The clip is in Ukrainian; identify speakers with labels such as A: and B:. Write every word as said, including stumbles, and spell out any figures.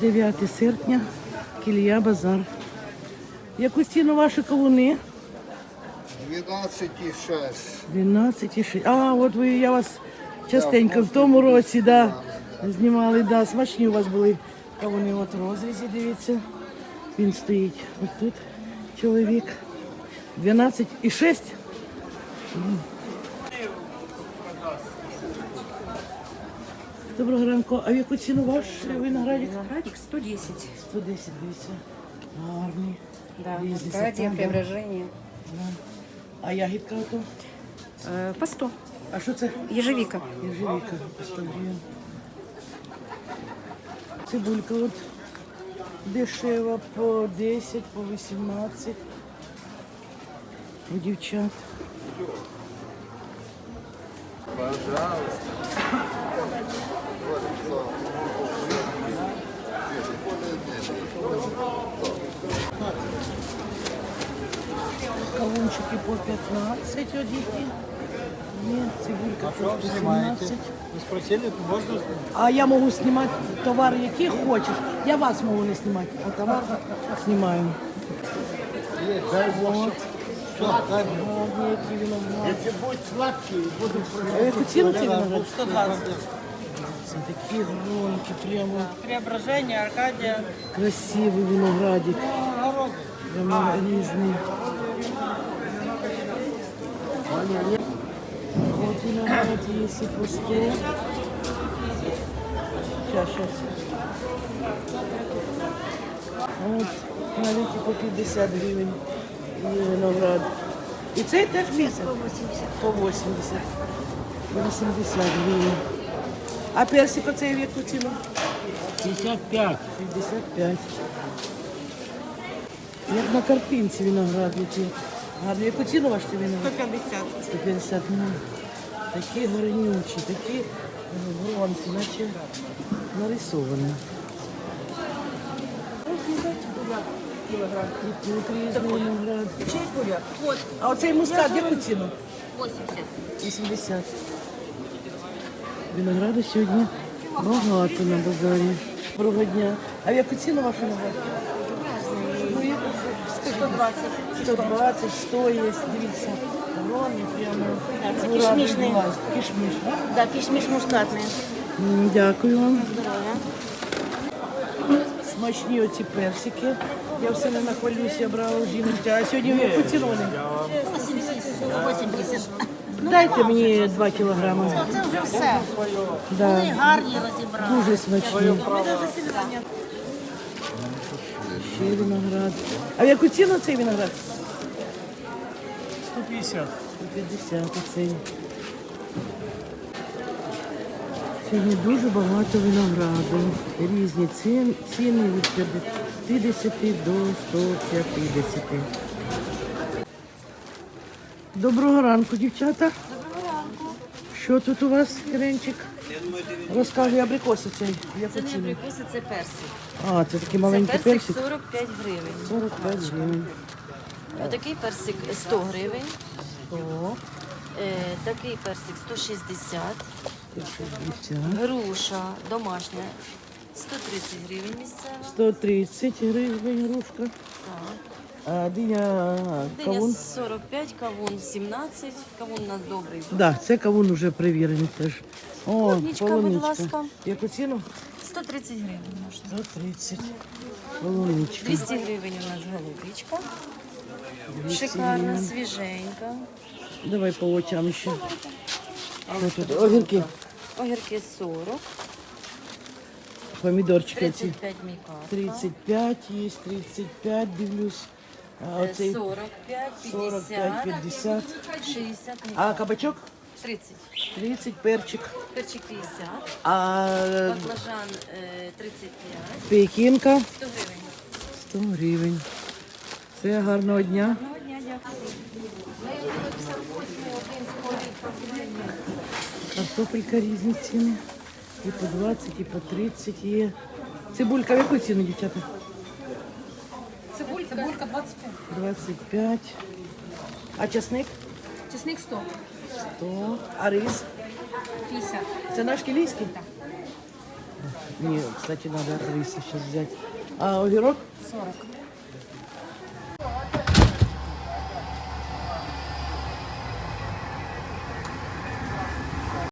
A: дев'яте серпня, Кілія базар. Яку ціну ваші кавуни?
B: дванадцять і шість.
A: дванадцять і шість. А, от ви, я вас частенько в тому році, да, знімали, да, смачні у вас були кавуни. От в розрізі, дивіться. Він стоїть от тут, чоловік. дванадцять і шість. Доброго ранку. А в яку ціну ваш виноградик?
C: Виноградик сто десять.
A: сто десять, дивіться. Гарний.
C: Да,
A: Різні
C: стадия
A: сорта, да.
C: преображения.
A: Да. А ягідка ото?
C: Э, По сто.
A: А що це?
C: Ежевика.
A: Ежевика. по сто гривень. Цибулька от дешева по десять, по вісімнадцять. У дівчат. Кавунчики по п'ятнадцять одіти. Ні, цибулька по вісімнадцять.
D: Вы спросили, можно?
A: А я можу знімати товар, який хочеш. Я вас можу не знімати, а товар знімаю.
D: Дай Бог. Все, дай Бог.
A: Гарні, які виноград.
D: Если будет сладкий, буду
A: А яку ціну цей виноград?
D: сто двадцать.
A: Це такі гронки, прямо
E: Преображение, Аркадия.
A: красивий виноградик. Прямо різний. Вот виноград есть и по сто. Сейчас, сейчас. Вот навіть по п'ятдесят гривень і виноград. І цей теж місяць? По вісімдесят. По вісімдесят гривень. А персик оцей в яку ціну?
D: пятьдесят пять.
A: п'ятдесят п'ять. Як на картинці виноград який. Гарний. Яку ціну ваш цей виноград?
E: сто пятьдесят.
A: сто п'ятдесят. Ну, такі гарнючі, такі гронки, наче нарисовані. І тут різний виноград.
E: Вот,
A: А оцей мускат яку ціну?
E: восемьдесят.
A: вісімдесят. Винограду сьогодні багато на базарі. Доброго дня. А в яку ціну ваш виноград? Ну, яку?
E: сто двадцать.
A: сто двадцять, сто є, дивіться. Грони прямо.
E: це
A: Ура,
E: кишмішний.
A: відбувається. Кишміш, так?
E: Да, кишмиш мускатный.
A: М, Дякую вам.
E: Здоровья.
A: Смачні оці персики. Я все не нахвалюсь, я брала у жінки. А сьогодні в яку ціну вони?
E: восемьдесят.
A: Дайте мені два кілограми.
E: Це вже все.
A: Да.
E: Гарні розібрали.
A: Дуже смачні. Ще виноград. А в яку ціну цей виноград?
D: сто пятьдесят.
A: сто п'ятдесят оцей. Сьогодні дуже багато винограду. Різні ціни, ціни від п'ятдесят до ста п'ятдесят. Доброго ранку, дівчата.
E: Доброго ранку.
A: Що тут у вас, Іринчик? Розказуй, абрикоси цей. Яку
F: Це не
A: ціну?
F: абрикоси, це персик.
A: А, це такий
F: Це
A: маленький
F: персик
A: персик.
F: сорок п'ять гривень.
A: сорок п'ять гривень.
F: Такий персик сто гривень.
A: О,
F: Е, Такий персик сто шістдесят.
A: шістдесят.
F: Груша домашня сто тридцять гривень місцева.
A: сто тридцять гривень грушка.
F: Так.
A: А диня
F: Диня
A: кавун?
F: сорок п'ять, кавун сімнадцять. Кавун у нас добрий.
A: Так, да, це кавун вже перевірений теж. О,
F: Полуничка, будь
A: полуничка.
F: ласка.
A: Яку ціну?
F: сто тридцять гривень можна.
A: сто тридцять. Полуничка.
F: двісті гривень у нас голубичка.
A: двісті
F: Шикарна,
A: гривень.
F: свіженька.
A: Давай по очам ще. Що тут? Огірки.
F: Огірки сорок.
A: Помідорчики ці.
F: тридцять п'ять мікарка.
A: тридцять п'ять є, тридцять п'ять, дивлюсь. А оцей
F: сорок п'ять,
A: сорок п'ять,
F: п'ятдесят,
A: п'ятдесят.
F: шістдесят
A: А
F: мікарка.
A: кабачок?
F: тридцять.
A: тридцять, перчик.
F: Перчик п'ятдесят.
A: А
F: Баклажан е, тридцять п'ять.
A: пекінка?
F: сто гривень.
A: сто гривень. Все, гарного дня.
F: Одного дня дякую.
A: Картопелька різні ціни. І по двадцять, і по тридцять є. Цибулька в яку ціну, дівчата?
E: Цибулька. Цибулька двадцать пять.
A: двадцять п'ять. А часник?
E: Чесник сто.
A: сто. А рис?
E: пятьдесят.
A: Це наш кілійський? Так. Мне, кстати, надо риса сейчас взять. А огірок?
E: сорок.